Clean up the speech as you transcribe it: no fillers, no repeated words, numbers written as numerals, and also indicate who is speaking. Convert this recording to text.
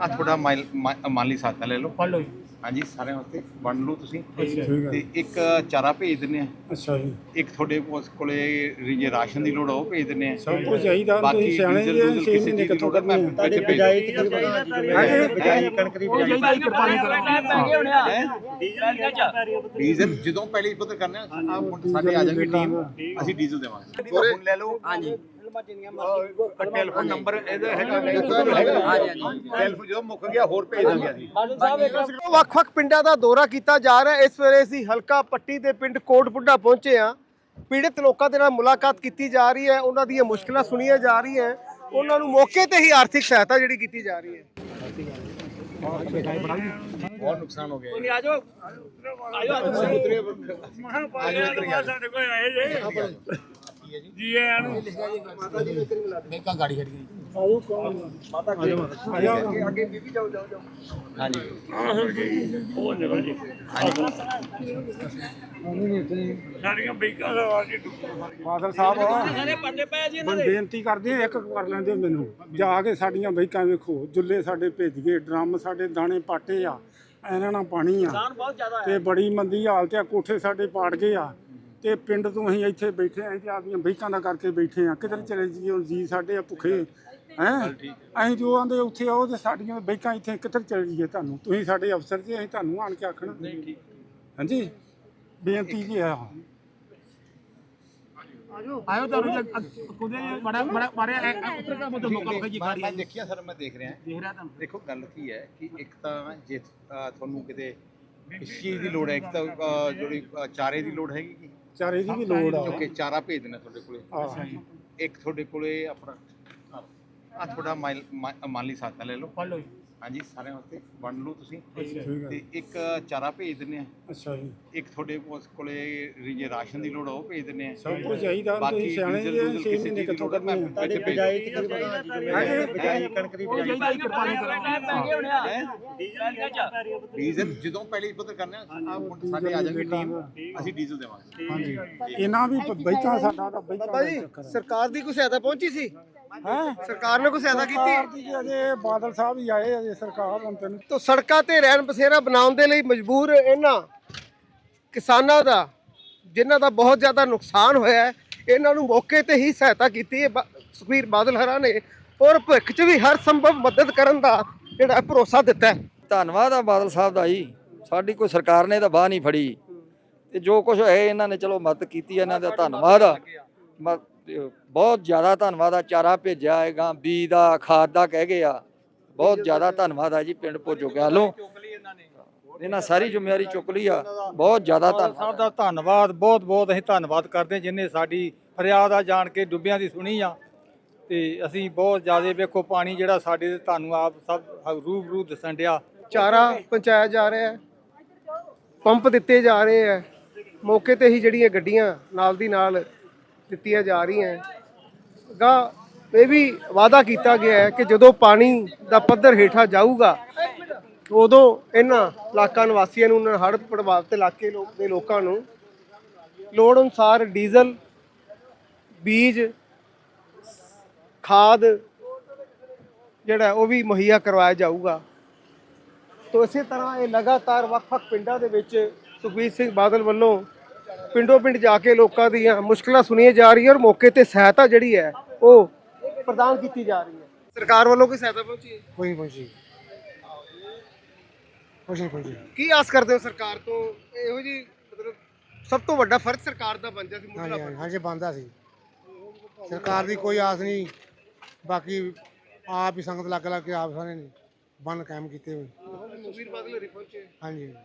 Speaker 1: ਆ ਤੁਹਾਡਾ ਮਾਲੀ ਸਹਾਇਤਾ ਲੈ ਲਓ,
Speaker 2: ਪੜ ਲਓ ਜੀ।
Speaker 1: ਹਾਂਜੀ ਸਾਰਿਆਂ ਵਾਸਤੇ ਵੰਡ ਲਓ ਤੁਸੀਂ।
Speaker 2: ਅੱਛਾ
Speaker 1: ਤੇ ਇੱਕ ਚਾਰਾ ਭੇਜ ਦਿੰਦੇ ਆ,
Speaker 2: ਅੱਛਾ ਜੀ।
Speaker 1: ਇੱਕ ਤੁਹਾਡੇ ਉਸ ਕੋਲੇ ਜੇ ਰਾਸ਼ਨ ਦੀ ਲੋੜ ਆ ਉਹ ਭੇਜ ਦਿੰਦੇ ਆ।
Speaker 2: ਸਭ ਕੁਝ ਚਾਹੀਦਾ,
Speaker 1: ਬਾਕੀ
Speaker 2: ਤੁਸੀਂ ਸਿਆਣੇ
Speaker 1: ਡੀਜ਼ਲ
Speaker 2: ਜੀ,
Speaker 1: ਡੂਜ਼ਲ
Speaker 2: 6
Speaker 1: ਕਿਸੇ
Speaker 2: ਮਹੀਨੇ
Speaker 1: ਚੀਜ਼ ਦੀ
Speaker 2: ਕਿੱਥੋਂ
Speaker 1: ਲੋੜ ਆ, ਮੈਂ
Speaker 2: ਕਰਨੀ
Speaker 1: ਵਿੱਚ ਭੇਜ
Speaker 2: ਬਿਜਾਈ ਕਣਕ ਦੀ
Speaker 1: ਡੀਜ਼ਲ ਜਦੋਂ ਪਹਿਲੇ ਪਤਾ ਕਰਨਾ ਆ ਸਾਡੇ ਆ ਜਾਣਗੇ ਟੀਮ, ਅਸੀਂ ਡੀਜ਼ਲ ਦੇਵਾਂਗੇ। ਫੋਨ ਲੈ ਲਓ। ਹਾਂਜੀ ਟੈਲੀਫੋਨ ਨੰਬਰ ਇਹਦਾ ਹੈਗਾ, ਟੈਲੀਫੋਨ ਜਦੋਂ ਮੁੱਕ ਗਿਆ ਹੋਰ ਭੇਜ ਦਾਂਗੇ ਅਸੀਂ।
Speaker 3: ਵੱਖ-ਵੱਖ ਪਿੰਡਾਂ ਦਾ ਦੌਰਾ ਕੀਤਾ ਜਾ ਰਿਹਾ। ਇਸ ਵੇਲੇ ਅਸੀਂ ਹਲਕਾ ਪੱਟੀ ਦੇ ਪਿੰਡ ਕੋਟਬੁੱਢਾ ਪਹੁੰਚੇ ਹਾਂ। ਪੀੜਤ ਲੋਕਾਂ ਦੇ ਨਾਲ ਮੁਲਾਕਾਤ ਕੀਤੀ ਜਾ ਰਹੀ ਹੈ, ਉਹਨਾਂ ਦੀਆਂ ਮੁਸ਼ਕਲਾਂ ਸੁਣੀਆਂ ਜਾ ਰਹੀਆਂ, ਉਹਨਾਂ ਨੂੰ ਮੌਕੇ ਤੇ ਹੀ ਆਰਥਿਕ ਸਹਾਇਤਾ ਜਿਹੜੀ ਕੀਤੀ ਜਾ ਰਹੀ ਹੈ।
Speaker 1: ਬਹੁਤ ਨੁਕਸਾਨ ਹੋ ਗਿਆ
Speaker 2: ਜੀ ਆਇਆਂ ਨੂੰ।
Speaker 1: ਗਾੜੀ ਖੜੀ ਗਈ।
Speaker 3: ਅੱਗੇ ਬੀਬੀ ਜਾਓ।
Speaker 1: ਹਾਂਜੀ
Speaker 2: ਸਾਡੀਆਂ ਬੈਂਕਾਂ ਦਾ ਵਾਜੀ ਬਾਦਲ ਸਾਹਿਬ ਹੁਣ ਬੇਨਤੀ ਕਰਦੇ ਆ, ਇੱਕ ਕਰ ਲੈਂਦੇ ਮੈਨੂੰ ਜਾ ਕੇ ਸਾਡੀਆਂ ਬੈਂਕਾਂ ਵੇਖੋ, ਜੁੱਲੇ ਸਾਡੇ ਭੇਜ ਗਏ, ਡਰਮ ਸਾਡੇ ਦਾਣੇ ਪਾਟੇ ਆ, ਇਹਨਾਂ ਨਾਲ ਪਾਣੀ ਆ ਤੇ ਬੜੀ ਮੰਦੀ ਹਾਲਤ ਆ, ਕੋਠੇ ਸਾਡੇ ਪਾੜ ਗਏ ਆ ਤੇ ਪਿੰਡ ਤੋਂ ਅਸੀਂ ਇੱਥੇ ਬੈਠੇ ਆਂ ਤੇ ਆਪਦੀਆਂ ਬੈਂਕਾਂ ਦਾ ਕਰਕੇ ਬੈਠੇ ਆ। ਕਿਧਰ ਚਲੇ ਜਾਈਏ ਹੁਣ, ਜੀ ਸਾਡੇ ਆ ਭੁੱਖੇ ਹੈਂ। ਅਸੀਂ ਜੋ ਆਂਦੇ ਉੱਥੇ ਆਓ ਤੇ ਸਾਡੀਆਂ ਬੈਂਕਾਂ ਇੱਥੇ ਕਿੱਧਰ ਚਲੇ ਜਾਈਏ? ਤੁਹਾਨੂੰ ਤੁਸੀਂ ਸਾਡੇ ਅਫਸਰ ਜੀ, ਅਸੀਂ ਤੁਹਾਨੂੰ ਆਣ ਕੇ ਆਖਣਾ। ਹਾਂਜੀ ਬੇਨਤੀ ਜੀ ਆ। ਆਇਓ ਤੁਹਾਨੂੰ ਕੁਦੇ ਬੜਾ ਮਾਰਿਆ ਉੱਤਰ ਦਾ ਮੋਟਾ ਮੌਕਾ ਵਿਖਾਈ ਜੀ।
Speaker 1: ਮੈਂ ਦੇਖਿਆ ਸਰ, ਮੈਂ ਦੇਖ ਰਿਹਾ ਤੁਹਾਨੂੰ। ਦੇਖੋ ਗੱਲ ਕੀ ਹੈ ਕਿ ਇੱਕ ਤਾਂ ਜੇ ਤੁਹਾਨੂੰ ਕਿਤੇ ਕਿਸ ਚੀਜ਼ ਦੀ ਲੋੜ ਹੈ, ਇੱਕ ਤਾਂ ਜਿਹੜੀ ਚਾਰੇ ਦੀ ਲੋੜ ਹੈਗੀ ਕਿ
Speaker 2: ਚਾਰੇ ਦੀ ਵੀ ਲੋੜ ਆ,
Speaker 1: ਕਿਉਂਕਿ ਚਾਰਾ ਭੇਜ ਦੇਣਾ ਤੁਹਾਡੇ ਕੋਲੇ। ਇੱਕ ਤੁਹਾਡੇ ਕੋਲੇ ਆਪਣਾ ਆ ਤੁਹਾਡਾ ਮਾਲੀ ਸਹਾਇਤਾ ਲੈ ਲਓ,
Speaker 2: ਪੜ ਲਓ ਜੀ।
Speaker 1: ਹਾਂਜੀ ਸਾਰਿਆਂ ਵਾਸਤੇ ਵੰਡ ਲਓ ਤੁਸੀਂ।
Speaker 2: ਤੇ
Speaker 1: ਇੱਕ ਚਾਰਾ ਭੇਜ ਦਿੰਦੇ ਆ,
Speaker 2: ਅੱਛਾ ਜੀ।
Speaker 1: ਇੱਕ ਤੁਹਾਡੇ ਉਸ ਕੋਲੇ ਜੇ ਰਾਸ਼ਨ ਦੀ ਲੋੜ ਆ ਉਹ ਭੇਜ ਦਿੰਦੇ ਆ।
Speaker 2: ਸਭ ਕੁਝ ਚਾਹੀਦਾ, ਤੁਸੀਂ ਸਿਆਣੇ ਜੀ, 6 ਮਹੀਨੇ ਕਿੱਥੋਂ ਕਰਨੀ
Speaker 1: ਵਿੱਚ ਭੇਜ
Speaker 3: ਕਣਕ ਦੀ
Speaker 1: ਡੀਜ਼ਲ ਜਦੋਂ ਪਹਿਲੇ ਪਤਾ ਕਰਨਾ ਆ ਸਾਡੇ ਆ ਜਾਣਗੇ ਟੀਮ, ਅਸੀਂ ਡੀਜ਼ਲ ਦੇਵਾਂਗੇ।
Speaker 2: ਹਾਂਜੀ ਇਹਨਾਂ ਵੀ ਬੈਂਕਾਂ ਸਾਡਾ ਤਾਂ
Speaker 3: ਬਾਬਾ ਜੀ, ਸਰਕਾਰ ਦੀ ਕੋਈ ਸਹਾਇਤਾ ਪਹੁੰਚੀ ਸੀ?
Speaker 2: ਹੈ
Speaker 3: ਸਰਕਾਰ ਨੇ ਕੋਈ ਸਹਾਇਤਾ ਕੀਤੀ?
Speaker 2: ਅਜੇ ਬਾਦਲ ਸਾਹਿਬ ਹੀ ਆਏ, ਅਜੇ ਸਰਕਾਰ ਹੁਣ ਤੈਨੂੰ
Speaker 3: ਤਾਂ ਸੜਕਾਂ ਤੇ ਰਹਿਣ ਬਸੇਰਾ ਬਣਾਉਣ ਦੇ ਲਈ ਮਜਬੂਰ ਇਹਨਾਂ ਕਿਸਾਨਾਂ ਦਾ, ਜਿਨ੍ਹਾਂ ਦਾ ਬਹੁਤ ਜ਼ਿਆਦਾ ਨੁਕਸਾਨ ਹੋਇਆ ਹੈ, ਇਹਨਾਂ ਨੂੰ ਮੌਕੇ ਤੇ ਹੀ ਸਹਾਇਤਾ ਕੀਤੀ ਹੈ ਸੁਖਬੀਰ ਬਾਦਲ ਹਰਾਂ ਨੇ, ਔਰ ਭਵਿੱਖ 'ਚ ਵੀ ਹਰ ਸੰਭਵ ਮਦਦ ਕਰਨ ਦਾ ਜਿਹੜਾ ਭਰੋਸਾ ਦਿੱਤਾ ਹੈ।
Speaker 4: ਧੰਨਵਾਦ ਆ ਬਾਦਲ ਸਾਹਿਬ ਦਾ ਜੀ, ਸਾਡੀ ਕੋਈ ਸਰਕਾਰ ਨੇ ਤਾਂ ਬਾਹ ਨਹੀਂ ਫੜੀ ਤੇ ਜੋ ਕੁਝ ਹੈ ਇਹਨਾਂ ਨੇ ਚਲੋ ਮਦਦ ਕੀਤੀ, ਇਹਨਾਂ ਦਾ ਧੰਨਵਾਦ ਆ, ਬਹੁਤ ਜ਼ਿਆਦਾ ਧੰਨਵਾਦ ਆ। ਚਾਰਾ ਭੇਜਿਆ ਹੈਗਾ, ਬੀਜ ਦਾ, ਖਾਦ ਦਾ ਕਹਿ ਗਏ ਆ, ਬਹੁਤ ਜ਼ਿਆਦਾ ਧੰਨਵਾਦ ਆ ਜੀ। ਪਿੰਡ ਭੋਜੋ ਗਿਆਲੋਂ ਇਹਨਾਂ ਸਾਰੀ ਜ਼ਿੰਮੇਵਾਰੀ ਚੁੱਕ ਲਈ ਆ, ਬਹੁਤ ਜ਼ਿਆਦਾ ਧੰਨਵਾਦ
Speaker 5: ਸਾਹਿਬ ਦਾ ਧੰਨਵਾਦ, ਬਹੁਤ ਬਹੁਤ ਅਸੀਂ ਧੰਨਵਾਦ ਕਰਦੇ, ਜਿਨ੍ਹਾਂ ਸਾਡੀ ਫਰਿਆਦ ਆ ਜਾਣ ਕੇ ਡੁੱਬਿਆਂ ਦੀ ਸੁਣੀ ਆ। ਤੇ ਅਸੀਂ ਬਹੁਤ ਜ਼ਿਆਦਾ ਵੇਖੋ ਪਾਣੀ ਜਿਹੜਾ ਸਾਡੇ ਤੇ ਤੁਹਾਨੂੰ ਆਪ ਸਭ ਰੂਬਰੂ ਦਿਸਣ ਡਿਆ।
Speaker 3: ਚਾਰਾ ਪਹੁੰਚਾਇਆ ਜਾ ਰਿਹਾ ਹੈ, ਪੰਪ ਦਿੱਤੇ ਜਾ ਰਹੇ ਹੈ, ਮੌਕੇ ਤੇ ਹੀ ਜਿਹੜੀਆਂ ਗੱਡੀਆਂ ਨਾਲ ਦੀ ਨਾਲ ਦਿੱਤੀਆਂ ਜਾ ਰਹੀਆਂ। ਗਾ ਇਹ ਵੀ ਵਾਅਦਾ ਕੀਤਾ ਗਿਆ ਹੈ ਕਿ ਜਦੋਂ ਪਾਣੀ ਦਾ ਪੱਧਰ ਹੇਠਾਂ ਜਾਊਗਾ ਉਦੋਂ ਇਹਨਾਂ ਇਲਾਕਾ ਨਿਵਾਸੀਆਂ ਨੂੰ, ਉਹਨਾਂ ਹੜ੍ਹ ਪ੍ਰਭਾਵਿਤ ਇਲਾਕੇ ਦੇ ਲੋਕਾਂ ਨੂੰ ਲੋੜ ਅਨੁਸਾਰ ਡੀਜ਼ਲ, ਬੀਜ, ਖਾਦ ਜਿਹੜਾ ਉਹ ਵੀ ਮੁਹੱਈਆ ਕਰਵਾਇਆ ਜਾਊਗਾ। ਤੋ ਇਸੇ ਤਰ੍ਹਾਂ ਇਹ ਲਗਾਤਾਰ ਵੱਖ-ਵੱਖ ਪਿੰਡਾਂ ਦੇ ਵਿੱਚ ਸੁਖਬੀਰ ਸਿੰਘ ਬਾਦਲ ਵੱਲੋਂ ਪਿੰਡੋਂ ਪਿੰਡ ਜਾ ਕੇ ਲੋਕਾਂ ਦੀਆਂ ਮੁਸ਼ਕਲਾਂ ਸੁਣੀਆਂ ਜਾ ਰਹੀਆਂ, ਔਰ ਮੌਕੇ ਤੇ ਸਹਾਇਤਾ ਜਿਹੜੀ ਹੈ ਉਹ ਪ੍ਰਦਾਨ ਕੀਤੀ ਜਾ ਰਹੀ ਹੈ। ਸਰਕਾਰ ਵੱਲੋਂ ਕੋਈ ਸਹਾਇਤਾ ਪਹੁੰਚੀ ਹੈ?
Speaker 2: ਕੋਈ ਪਹੁੰਚੀ
Speaker 3: ਕੀ ਆਸ ਕਰਦੇ ਹੋ ਸਰਕਾਰ ਤੋਂ? ਇਹੋ ਜੀ ਮਤਲਬ ਸਭ ਤੋਂ ਵੱਡਾ ਫਰਜ਼ ਸਰਕਾਰ ਦਾ ਬਣਦਾ ਸੀ, ਮੁੱਢਲਾ ਫਰਜ਼।
Speaker 6: ਹਾਂਜੀ ਬਣਦਾ ਸੀ। ਸਰਕਾਰ ਦੀ ਕੋਈ ਆਸ ਨਹੀਂ, ਬਾਕੀ ਆਪ ਹੀ ਸੰਗਤ ਲੱਗ ਕੇ ਆਪ ਸਾਰੇ ਨੇ ਬੰਨ ਕਾਇਮ ਕੀਤੇ ਹੋਏ।
Speaker 3: ਸੁਖਬੀਰ ਬਾਦਲ ਹਰੀ ਪਹੁੰਚੇ।
Speaker 6: ਹਾਂਜੀ।